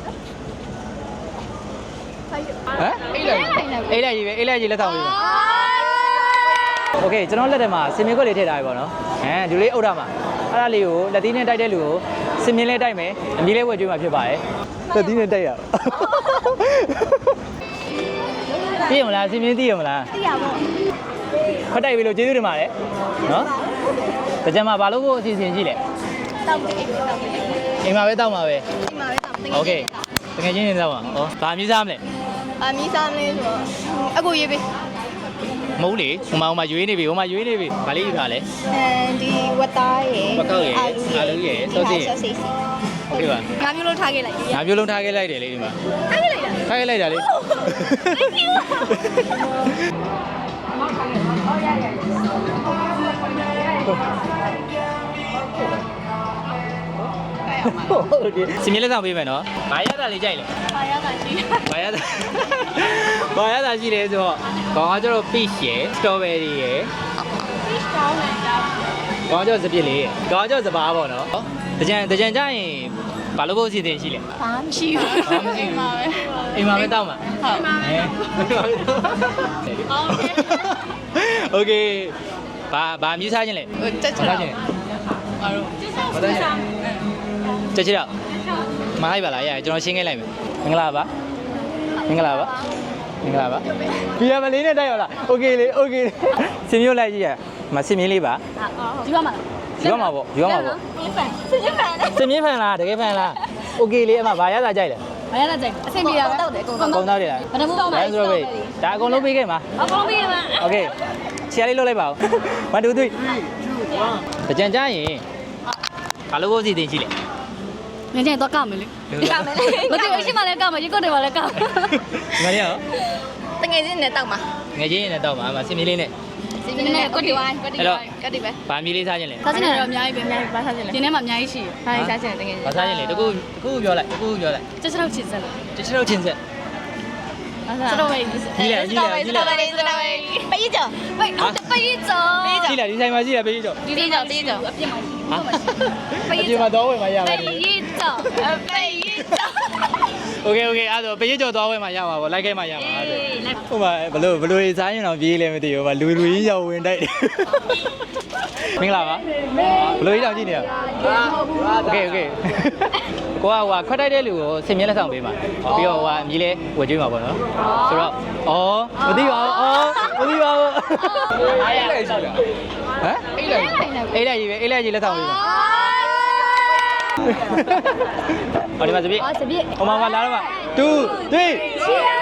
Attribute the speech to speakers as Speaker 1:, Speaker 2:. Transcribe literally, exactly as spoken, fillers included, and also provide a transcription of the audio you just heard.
Speaker 1: ဟမ်အေးလိုက်အေးလိုက်ကြီးပဲအေးလိုက်ကြီးလက်ဆောင်ပေးပါโอเคကျွန်တော်လက်ထဲမှာစင်မြင့်ခွက်လေးထည့်ထားပြီပေါ့နော်အဲဒီလေးအုပ်ထားမှာအဲ့ဒါလေးကိုလက်သီးနဲ့တိုက်တဲ့လူကိုစင်မြင့်လေးတိုက်မယ်အမြည်လေးဝယ်ကျွေးမှာဖြစ်ပါတယ်လက်သီးနဲ့တိုက်ရသိရမလားစင်မြင့်သိရမလားသိရပါဘူးခွက်တိုက်ပြီလို့ကျေးဇူးတင်ပါတယ်နော်တကြံမှာဘာလို့ကိုအစီအစဉ်ကြည့်လဲတောက်တယ်တောက်တယ်အိမ်မှာပဲတောက်မှာပဲအိမ်မှာပဲတောက်โอเคတကယ်ချင်းနေတော့ပါဟောဘာမြည်စားမလဲ
Speaker 2: အမီးစားမလဲဆိုတော့အကူရေးပေး
Speaker 1: မဟုတ်လေဟိုမှာဟိုမှာရွေးနေပြီဟိုမှာရွေးနေပြီဗာလေးယူထားလဲ
Speaker 2: အဲဒီဝတ်သားရယ်
Speaker 1: ဝက်ကောက်ရယ်အာလူရယ်စောစီရယ်โอเคပါ
Speaker 2: ငါမျိုးလုံးထားခဲ့လိုက်
Speaker 1: ငါမျိုးလုံးထားခဲ့လိုက်တယ်လေဒီမှာ
Speaker 2: ထားခဲ့လိုက်တာ
Speaker 1: ထားခဲ့လိုက်တာလေ
Speaker 2: Thank you
Speaker 1: ဟုတ်တယ်စင်မြင့်လက်ဆောင်ပေးမယ်နော်ဘာရတာလေးကြိုက်လဲ
Speaker 2: ဘာရတာရှိ
Speaker 1: ဘာရတာဘာရတာရှိလဲဆိုတော့ခေါင်းကကျတော့ peach ရယ် strawberry ရယ်
Speaker 2: peach ကောင်းတယ်ကြာ
Speaker 1: ခေါင်းကျတော့စပစ်လေးရယ်ခေါင်းကျတော့စပါးပေါ့နော်တကြံတကြံကြရင်ဘာလို့ဖို့အစီအစဉ်ရှိလဲ
Speaker 2: ဘာမှမရှိဘူးအိမ်မှာပဲ
Speaker 1: အိမ်မှာပဲတောက်မှာ
Speaker 2: ဟုတ်ပါမယ်
Speaker 1: โอเคဘာဘာမြည်စားခြင်းလဲ
Speaker 2: တက်ချင်
Speaker 1: ခြင်းအားလုံးဘာလဲတက်ချင်တော့မလိုက်ပါလားရကျွန်တော်ရှင်းခဲ့လိုက်မယ်မင်္ဂလာပါမင်္ဂလာပါမင်္ဂလာပါဘီယာမလေးနဲ့တိုက်ရလားโอเคလေโอเคစင်မျိုးလိုက်ကြည့်ရမစင်မြင်းလေးပါ
Speaker 2: ဒီပါမလား
Speaker 1: ဒီပါမှာပေါ့ဒီပါမှာပေါ့
Speaker 2: စင်မြင်းဖန်
Speaker 1: စင်မြင်းဖန်လားတကယ်ဖန်လားโอเคလေအမဘာရတာကြိုက်လဲ
Speaker 2: ဘာရတာကြိုက်အဆင်ပြေတာပဲတောက်တယ်အကုန်
Speaker 1: ကုန်သားတွေလား
Speaker 2: ဘယ်နှမှုတောက်မှာ
Speaker 1: ဆိုတော့ဒါအကုန်လုံးပေးခဲ့မှာ
Speaker 2: အကုန်လုံးပေးခဲ့မှာ
Speaker 1: โอเคချီရလေးလုပ်လိုက်ပါဦးone two three တကြံကြရင်ဘာလို့ကိုစီတင်ရှိလဲ
Speaker 2: ငါကျတော့ကောက်မယ်လေကောက်မယ်လေမသိဘူးရှိမှလည်းကောက်မယ်ရေကုတ်တယ်မှလည်းကောက်
Speaker 1: ငါရရော
Speaker 2: တငယ်ချင်းနဲ့တောက်မှာ
Speaker 1: ငယ်ချင်းနဲ့တောက်မှာအမစင်မီလေးနဲ့
Speaker 2: စင်မီလေးနဲ့ကုတ်တယ်ဝိုင်းကုတ်တယ်ဝိုင်းကုတ်တယ်ပဲ
Speaker 1: ဘာမီလေးစားခြင်းလဲ
Speaker 2: စားခြင်းလည်းတော့အများကြီးပဲအများကြီးဘာစားခြင်းလဲဒီထဲမှာအများကြီးရှိတယ်ဘာစားခြင်းလဲတငယ်ချင်း
Speaker 1: ဘာစားခြင်းလဲတကူတကူပြောလိုက်တကူပြောလိုက်
Speaker 2: ကျချောက်ချစ်စက်လို့
Speaker 1: ကျချောက်ချင်းစက်
Speaker 2: စတော့ဝေး
Speaker 1: ကြီးလေကြီးလေကြီးလေ
Speaker 2: စတော့ဝေးပေးကြောပေးဟုတ်ပေးကြော
Speaker 1: ကြီးလေဒီဆိုင်မှာကြီးလေပေးကြော
Speaker 2: ဒီပေးကြောပေးကြောအပြစ်မှာ
Speaker 1: ပေးကြောအပြစ်မှာတော့ဝယ်မှာရပါတယ်
Speaker 2: ပေးကြောပေးကြော
Speaker 1: โอเคโอเคအဲ့ဒါပေးကြောတော့ဝယ်မှာရပါဘောလိုက်ခဲ့မှာရပါအဲ့ဒါဟိုမှာဘလို့ဘလို့စားရင်တော့ပြေးလဲမသိဘူးဗာလူလူကြီးရောက်ဝင်တိုက်တယ်မင်္ဂလာပါဘလို့ကြီးတောင်ကြည့်နေရโอเคโอเคကိုကဟိုခွက်တိုက်တဲ့လူကိုစင်မြဲလက်ဆောင်ပေးမှာပြီးတော့ဟိုအမြည်လေးဝယ်ကျွေးမှာပေါ့နော်ဆိုတော့ဩမသိပါဘူးဩမသိပါဘူးအားရလိုက်ရှိလားဟမ်အိတ်လိုက်အိတ်လိုက်ကြီးပဲအိတ်လိုက်ကြီးလက်ဆောင်ပေးမှာဟောဒီမှာစပြည့်
Speaker 2: ဟောစပြည့်
Speaker 1: ဟိုမှာလာတော့မှာtwo three